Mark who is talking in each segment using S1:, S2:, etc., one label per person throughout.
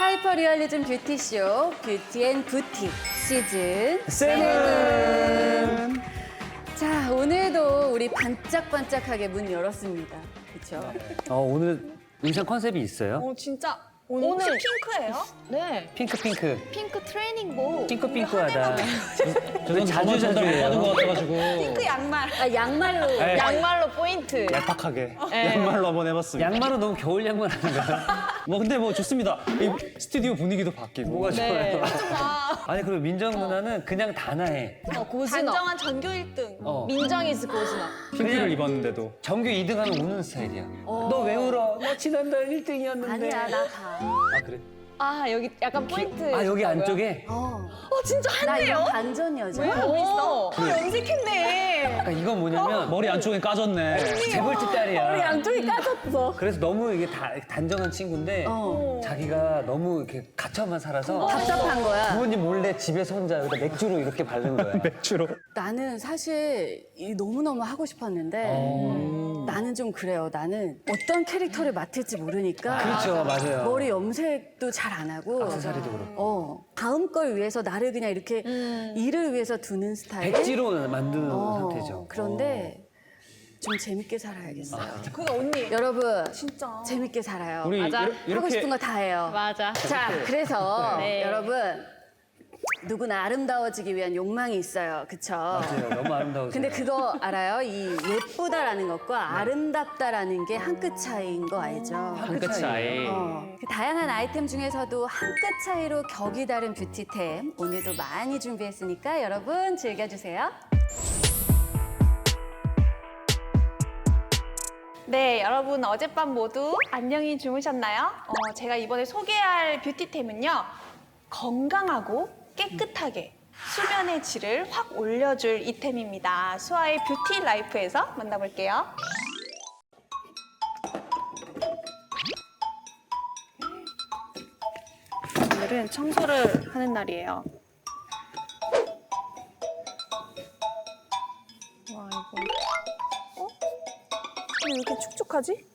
S1: 하이퍼 리얼리즘 뷰티쇼 뷰티 앤 부티 시즌 7. 자, 오늘도 우리 반짝반짝하게 문 열었습니다. 그렇죠?
S2: 오늘 의상 컨셉이 있어요?
S3: 진짜 오늘 혹시 핑크예요?
S4: 네.
S2: 핑크.
S4: 핑크 트레이닝복.
S2: 핑크하다.
S5: 저는
S2: 자주
S5: 받은 것 같아가지고
S3: 핑크 양말.
S1: 아, 양말로.
S5: 네.
S4: 양말로 포인트.
S5: 얄팍하게
S4: 네.
S5: 양말로 한번 해봤습니다.
S2: 양말은 너무 겨울 양말 아닌가요?
S5: 뭐 근데 뭐 좋습니다. 이 스튜디오 분위기도 바뀌고.
S2: 뭐가
S4: 네.
S2: 좋아요? 아니 그리고 민정 누나는 그냥 단아해.
S4: 고즈넉.
S3: 단정한 전교 1등.
S4: 민정이즈 고즈넉.
S5: 핑크를 입었는데도
S2: 전교 2등하면 우는 스타일이야. 너 왜 울어? 너 지난달 1등이었는데.
S1: 아니야, 나 봐.
S2: 아 그래?
S4: 아, 여기 약간 포인트.
S2: 아 여기
S4: 줬다고요?
S2: 안쪽에?
S4: 진짜
S1: 나
S4: 한대요?
S1: 이거 반전 여자.
S4: 하고 있어?
S3: 염색했네.
S2: 그러니까 이건 뭐냐면
S5: 머리 안쪽에 까졌네.
S2: 재벌집 딸이야.
S1: 머리 양쪽이 까졌어.
S2: 그래서 너무 이게 단정한 친구인데 자기가 너무 이렇게 갇혀만 살아서
S1: 답답한 거야.
S2: 부모님 몰래 집에서 혼자 여기다 맥주로 이렇게 바른 거야.
S5: 주로.
S1: 나는 사실 너무너무 하고 싶었는데 나는 좀 그래요. 나는 어떤 캐릭터를 맡을지 모르니까
S2: 그렇죠, 맞아요.
S1: 머리 염색도 잘 안 하고
S2: 액세서리도 그렇고.
S1: 다음 걸 위해서 나를 그냥 이렇게 일을 위해서 두는 스타일.
S2: 백지로 만드는 상태죠.
S1: 그런데 좀 재밌게 살아야겠어요.
S3: 그게 언니.
S1: 여러분
S3: 진짜.
S1: 재밌게 살아요.
S5: 우리
S4: 맞아.
S1: 하고 싶은 거 다 해요.
S4: 맞아.
S1: 자, 그래서
S4: 네.
S1: 여러분 누구나 아름다워지기 위한 욕망이 있어요. 그쵸?
S2: 맞아요. 너무 아름다우세요.
S1: 근데 그거 알아요? 이 예쁘다라는 것과 아름답다라는 게 한 끗 차이인 거 알죠?
S2: 한 끗 차이.
S1: 그 다양한 아이템 중에서도 한 끗 차이로 격이 다른 뷰티템 오늘도 많이 준비했으니까 여러분 즐겨주세요.
S3: 네, 여러분 어젯밤 모두 안녕히 주무셨나요? 제가 이번에 소개할 뷰티템은요. 건강하고 깨끗하게 수면의 질을 확 올려줄 이템입니다. 수아의 뷰티 라이프에서 만나볼게요. 오늘은 청소를 하는 날이에요. 와, 이거. 왜 이렇게 축축하지?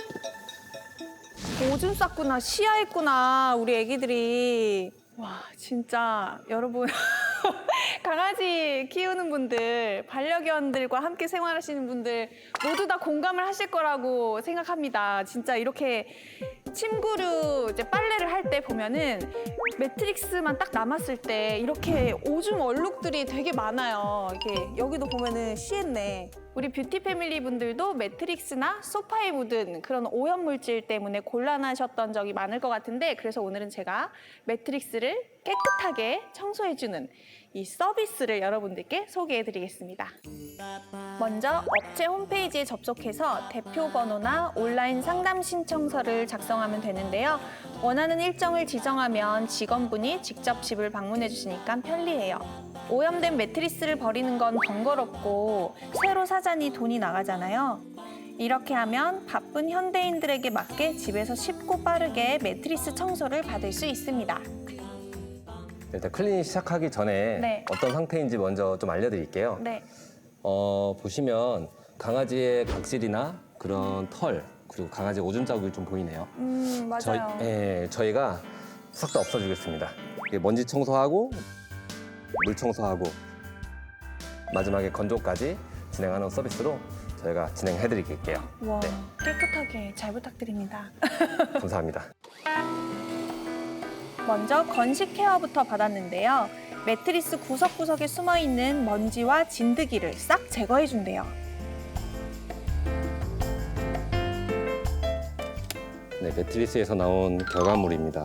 S3: 오줌 쌌구나, 시야했구나, 우리 애기들이. 와, 진짜 여러분 강아지 키우는 분들, 반려견들과 함께 생활하시는 분들 모두 다 공감을 하실 거라고 생각합니다. 진짜 이렇게 침구류 이제 빨래를 할 때 보면은 매트릭스만 딱 남았을 때 이렇게 오줌 얼룩들이 되게 많아요. 이렇게 여기도 보면은 시했네. 우리 뷰티 패밀리 분들도 매트릭스나 소파에 묻은 그런 오염 물질 때문에 곤란하셨던 적이 많을 것 같은데 그래서 오늘은 제가 매트릭스를 깨끗하게 청소해주는 이 서비스를 여러분들께 소개해드리겠습니다. 먼저 업체 홈페이지에 접속해서 대표 번호나 온라인 상담 신청서를 작성하면 되는데요. 원하는 일정을 지정하면 직원분이 직접 집을 방문해 주시니까 편리해요. 오염된 매트리스를 버리는 건 번거롭고 새로 사자니 돈이 나가잖아요. 이렇게 하면 바쁜 현대인들에게 맞게 집에서 쉽고 빠르게 매트리스 청소를 받을 수 있습니다.
S6: 일단 클리닝 시작하기 전에
S3: 네.
S6: 어떤 상태인지 먼저 좀 알려드릴게요.
S3: 네.
S6: 보시면 강아지의 각질이나 그런 털 그리고 강아지 오줌 자국이 좀 보이네요.
S3: 맞아요.
S6: 저희가 싹 다 없애주겠습니다. 이게 먼지 청소하고 물 청소하고 마지막에 건조까지 진행하는 서비스로 저희가 진행해드릴게요.
S3: 와,
S6: 네.
S3: 깨끗하게 잘 부탁드립니다.
S6: 감사합니다.
S3: 먼저 건식 케어부터 받았는데요. 매트리스 구석구석에 숨어있는 먼지와 진드기를 싹 제거해준대요.
S6: 네, 매트리스에서 나온 결과물입니다.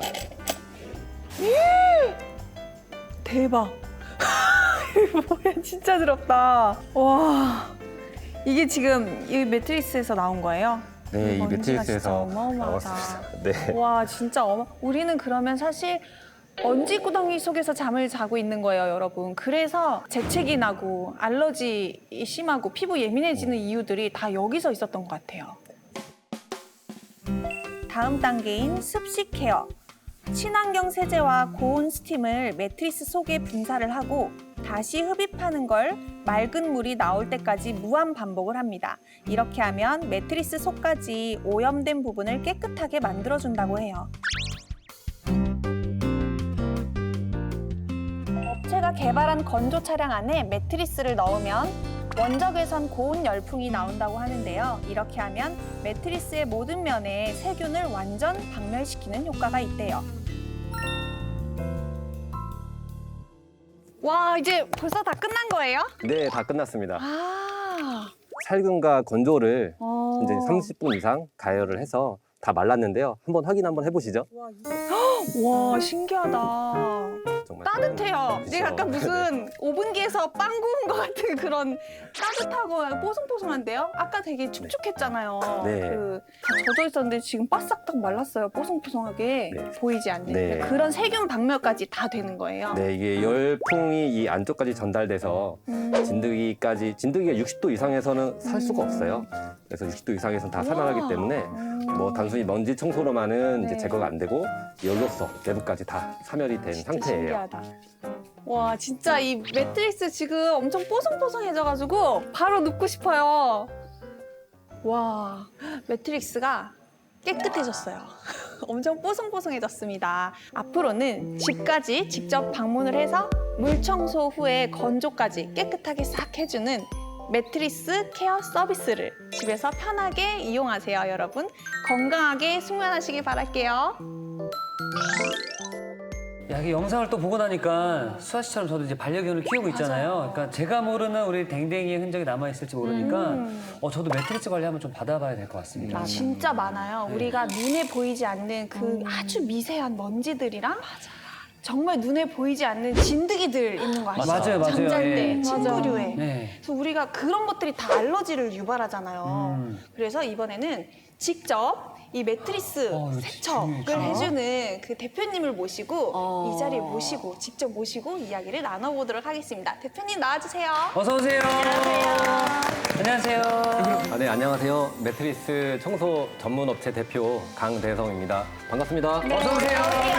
S3: 대박. 이거 뭐야, 진짜 더럽다. 와, 이게 지금 이 매트리스에서 나온 거예요?
S6: 네, 이
S3: 먼지가 진짜
S6: 매트리스에서
S3: 어마어마하다.
S6: 나왔습니다. 네.
S3: 와, 진짜 우리는 그러면 사실 먼지구덩이 속에서 잠을 자고 있는 거예요, 여러분. 그래서 재채기 나고 알러지 심하고 피부 예민해지는 이유들이 다 여기서 있었던 것 같아요. 다음 단계인 습식 케어. 친환경 세제와 고온 스팀을 매트리스 속에 분사를 하고 다시 흡입하는 걸 맑은 물이 나올 때까지 무한 반복을 합니다. 이렇게 하면 매트리스 속까지 오염된 부분을 깨끗하게 만들어준다고 해요. 개발한 건조 차량 안에 매트리스를 넣으면 원적외선 고온 열풍이 나온다고 하는데요. 이렇게 하면 매트리스의 모든 면에 세균을 완전 박멸시키는 효과가 있대요. 와, 이제 벌써 다 끝난 거예요?
S6: 네, 다 끝났습니다.
S3: 아,
S6: 살균과 건조를
S3: 어.
S6: 이제 30분 이상 가열을 해서 다 말랐는데요. 한번 해보시죠.
S3: 와, 신기하다.
S6: 정말
S3: 따뜻해요.
S6: 그쵸.
S3: 이게 약간 무슨 오븐기에서 빵 구운 것 같은 그런 따뜻하고 뽀송뽀송한데요? 아까 되게 축축했잖아요.
S6: 네.
S3: 다 젖어 있었는데 지금 바싹 딱 말랐어요. 뽀송뽀송하게
S6: 네.
S3: 보이지 않는
S6: 네.
S3: 그런 세균 박멸까지 다 되는 거예요.
S6: 네, 이게 열풍이 이 안쪽까지 전달돼서 진드기가 60도 이상에서는 살 수가 없어요. 그래서 60도 이상에서는 다 살아나기 때문에 뭐 단순히 먼지 청소로만은
S3: 네.
S6: 이제 제거가 안 되고 열로서 내부까지 다 사멸이 된 상태예요.
S3: 신기하다. 와, 진짜 이 매트리스 지금 엄청 뽀송뽀송해져가지고 바로 눕고 싶어요. 와, 매트리스가 깨끗해졌어요. 엄청 뽀송뽀송해졌습니다. 앞으로는 집까지 직접 방문을 해서 물 청소 후에 건조까지 깨끗하게 싹 해주는 매트리스 케어 서비스를 집에서 편하게 이용하세요, 여러분. 건강하게 숙면하시길 바랄게요.
S2: 야, 이 영상을 또 보고 나니까 수아 씨처럼 저도 이제 반려견을 키우고 있잖아요. 그러니까 제가 모르는 우리 댕댕이의 흔적이 남아있을지 모르니까 저도 매트리스 관리 한번 좀 받아봐야 될 것 같습니다.
S3: 진짜 많아요. 우리가 눈에 보이지 않는 그 아주 미세한 먼지들이랑 정말 눈에 보이지 않는 진드기들 있는 거 아시죠?
S2: 맞아요, 맞아요.
S3: 잠잘때,
S2: 예.
S3: 침구류에.
S2: 네.
S3: 그래서 우리가 그런 것들이 다 알러지를 유발하잖아요. 그래서 이번에는 직접 이 매트리스
S2: 이거
S3: 세척을
S2: 중요해.
S3: 해주는 그 대표님을 모시고 이 자리에 모시고 직접 모시고 이야기를 나눠보도록 하겠습니다. 대표님 나와주세요.
S2: 어서 오세요. 안녕하세요.
S6: 네, 안녕하세요. 매트리스 청소 전문 업체 대표 강대성입니다. 반갑습니다.
S2: 어서 오세요.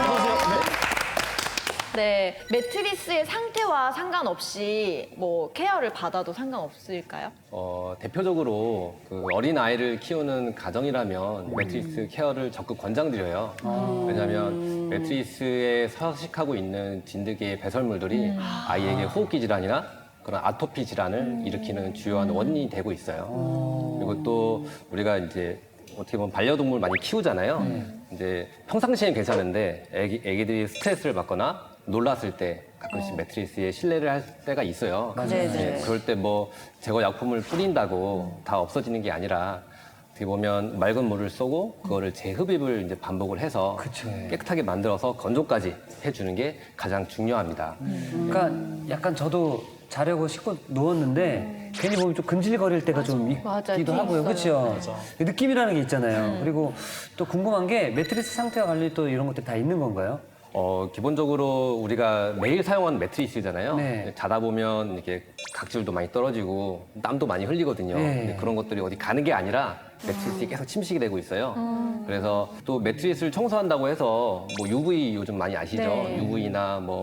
S4: 네, 매트리스의 상태와 상관없이 뭐 케어를 받아도 상관없을까요?
S6: 대표적으로 그 어린 아이를 키우는 가정이라면 매트리스 케어를 적극 권장드려요. 왜냐하면 매트리스에 서식하고 있는 진드기의 배설물들이 아이에게 호흡기 질환이나 그런 아토피 질환을 일으키는 주요한 원인이 되고 있어요. 그리고 또 우리가 이제 어떻게 보면 반려동물 많이 키우잖아요. 이제 평상시엔 괜찮은데 애기들이 스트레스를 받거나 놀랐을 때 가끔씩 매트리스에 실내를 할 때가 있어요.
S4: 네네.
S6: 그럴 때 뭐 제거 약품을 뿌린다고 다 없어지는 게 아니라 어떻게 보면 맑은 물을 쏘고 그거를 재흡입을 이제 반복을 해서 깨끗하게 만들어서 건조까지 해주는 게 가장 중요합니다.
S2: 그러니까 약간 저도 자려고 씻고 누웠는데 괜히 몸이 좀 근질거릴 때가 좀 있기도 하고요. 그렇죠? 느낌이라는 게 있잖아요. 그리고 또 궁금한 게 매트리스 상태와 관리 또 이런 것들 다 있는 건가요?
S6: 기본적으로 우리가 매일 사용하는 매트리스잖아요.
S2: 네.
S6: 자다 보면 이렇게 각질도 많이 떨어지고 땀도 많이 흘리거든요.
S2: 네.
S6: 근데 그런 것들이 어디 가는 게 아니라 매트리스에 계속 침식이 되고 있어요. 그래서 또 매트리스를 청소한다고 해서 뭐 UV 요즘 많이 아시죠?
S4: 네.
S6: UV나 뭐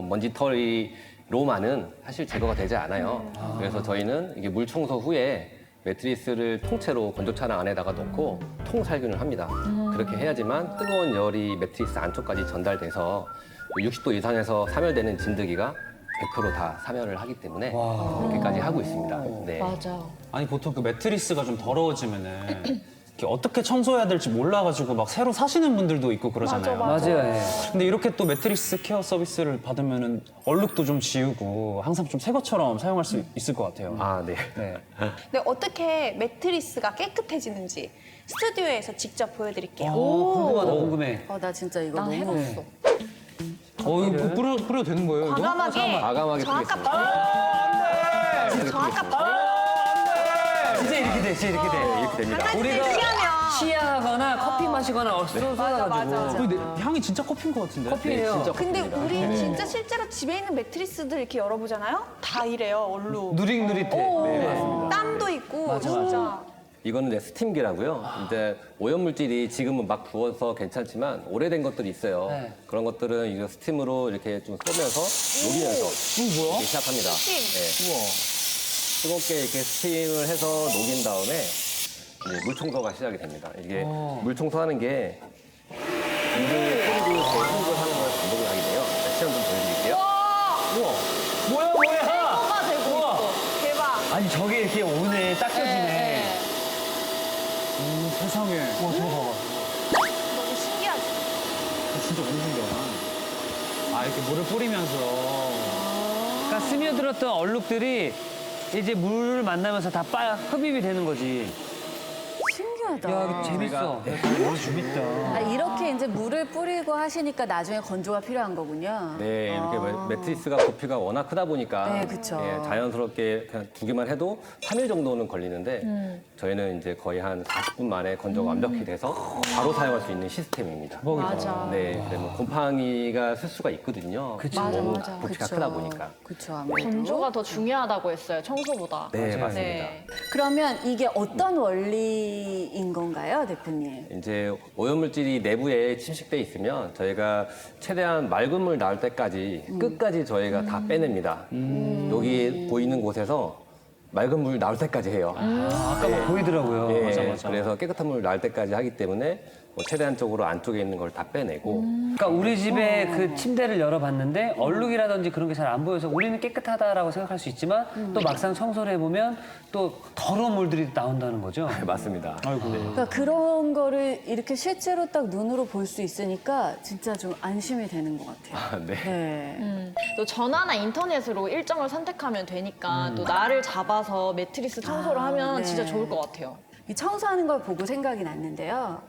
S6: 먼지털이로만은 사실 제거가 되지 않아요. 그래서 저희는 이게 물 청소 후에 매트리스를 통째로 건조차량 안에다가 넣고 통살균을 합니다. 그렇게 해야지만 뜨거운 열이 매트리스 안쪽까지 전달돼서 60도 이상에서 사멸되는 진드기가 100% 다 사멸을 하기 때문에 그렇게까지 하고 있습니다. 네.
S4: 맞아.
S5: 아니 보통 그 매트리스가 좀 더러워지면은 이렇게 어떻게 청소해야 될지 몰라가지고 막 새로 사시는 분들도 있고 그러잖아요.
S2: 맞아요. 예.
S5: 근데 이렇게 또 매트리스 케어 서비스를 받으면은 얼룩도 좀 지우고 항상 좀 새 것처럼 사용할 수 있을 것 같아요.
S6: 아, 네.
S5: 네.
S3: 근데 어떻게 매트리스가 깨끗해지는지 스튜디오에서 직접 보여드릴게요.
S2: 궁금하다, 궁금해.
S1: 나 진짜 이거
S4: 나
S1: 너무
S4: 해봤어.
S5: 이거 뿌려도 되는 거예요? 이거?
S3: 과감하게
S6: 과감하게
S3: 저 아까
S6: 쓰겠습니다.
S3: 저 아까
S2: 진짜 이렇게 돼, 진짜 이렇게 돼.
S6: 이렇게 됩니다.
S3: 강아지들
S2: 우리가
S3: 취하면
S2: 시야하거나 커피 마시거나
S3: 맞아.
S2: 쏟아가지고.
S5: 근데 향이 진짜 커피인 것 같은데?
S2: 커피예요.
S3: 근데 우리 진짜 실제로 집에 있는 매트리스들 이렇게 열어보잖아요. 다 이래요, 얼룩.
S2: 누릿누릿해.
S3: 오, 땀도 있고 진짜.
S6: 이거는 이제 스팀기라고요. 이제 오염물질이 지금은 막 부어서 괜찮지만 오래된 것들이 있어요.
S2: 네.
S6: 그런 것들은 이제 스팀으로 이렇게 좀 쏘면서 녹이면서 이렇게 시작합니다. 네. 뜨겁게 이렇게 스팀을 해서 녹인 다음에 이제 물 청소가 시작이 됩니다. 이게 물 청소하는 게 물을 뿌리고 재흡입을 하는 걸 반복을 하게 돼요. 시험 좀 보여드릴게요.
S5: 뭐야?
S2: 저게 이렇게 오네, 닦여지네.
S5: 세상에.
S2: 와, 저거 봐봐.
S4: 너무 신기하지?
S5: 진짜 너무 신기하다. 아, 이렇게 물을 뿌리면서.
S2: 그러니까 스며들었던 얼룩들이 이제 물을 만나면서 다 흡입이 되는 거지.
S1: 신기하다.
S2: 야, 이거 재밌어. 너무 재밌다.
S1: 아, 이렇게 이제 물을 뿌리고 하시니까 나중에 건조가 필요한 거군요.
S6: 네, 이렇게 매트리스가 부피가 워낙 크다 보니까
S1: 네, 그쵸.
S6: 자연스럽게 그냥 두기만 해도 3일 정도는 걸리는데 저희는 이제 거의 한 40분 만에 건조가 완벽히 돼서 바로 사용할 수 있는 시스템입니다.
S4: 맞아.
S6: 네, 그러면 곰팡이가 쓸 수가 있거든요.
S2: 그쵸.
S6: 너무
S4: 맞아.
S6: 부피가 크다 보니까.
S1: 그쵸, 아무래도.
S4: 건조가 더 중요하다고 했어요, 청소보다.
S6: 네, 맞습니다.
S4: 네.
S1: 그러면 이게 어떤 원리인 건가요, 대표님?
S6: 이제 오염물질이 내부에 침식돼 있으면 저희가 최대한 맑은 물 나올 때까지 끝까지 저희가 다 빼냅니다. 여기 보이는 곳에서 맑은 물 나올 때까지 해요.
S2: 아까 뭐 보이더라고요.
S6: 예, 그래서 깨끗한 물 나올 때까지 하기 때문에 뭐 최대한적으로 안쪽에 있는 걸 다 빼내고
S2: 그러니까 우리 집에 그 침대를 열어봤는데 얼룩이라든지 그런 게 잘 안 보여서 우리는 깨끗하다라고 생각할 수 있지만 또 막상 청소를 해보면 또 더러운 물들이 나온다는 거죠.
S6: 네, 맞습니다.
S1: 그러니까 그런 거를 이렇게 실제로 딱 눈으로 볼 수 있으니까 진짜 좀 안심이 되는 것 같아요.
S6: 네.
S1: 네.
S4: 또 전화나 인터넷으로 일정을 선택하면 되니까 또 날을 잡아서 매트리스 청소를 하면
S1: 네.
S4: 진짜 좋을 것 같아요.
S1: 이 청소하는 걸 보고 생각이 났는데요.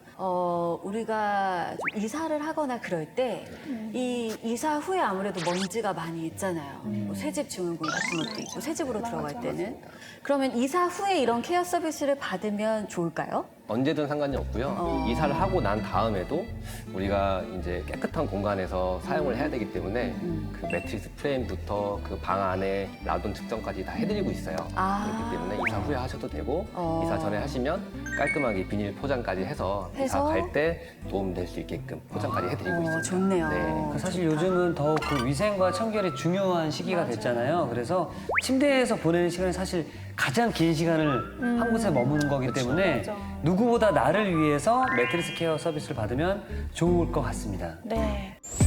S1: 우리가 좀 이사를 하거나 그럴 때 이 이사 후에 아무래도 먼지가 많이 있잖아요. 뭐 새집 증후군 같은 것도 있고 새집으로 들어갈 때는. 그러면 이사 후에 이런 케어 서비스를 받으면 좋을까요?
S6: 언제든 상관이 없고요. 이사를 하고 난 다음에도 우리가 이제 깨끗한 공간에서 사용을 해야 되기 때문에 그 매트리스 프레임부터 그 방 안에 라돈 측정까지 다 해드리고 있어요.
S1: 아.
S6: 그렇기 때문에 이사 후에 하셔도 되고
S1: 어.
S6: 이사 전에 하시면 깔끔하게 비닐 포장까지 해서 이사
S1: 해서?
S6: 갈 때 도움 될 수 있게끔 포장까지 해드리고 있습니다.
S1: 좋네요.
S6: 네.
S2: 사실 요즘은 더욱 그 위생과 청결이 중요한 시기가 됐잖아요. 그래서 침대에서 보내는 시간이 사실 가장 긴 시간을 한 곳에 머무는 거기 때문에 누구보다 나를 위해서 매트리스 케어 서비스를 받으면 좋을 것 같습니다.
S3: 네.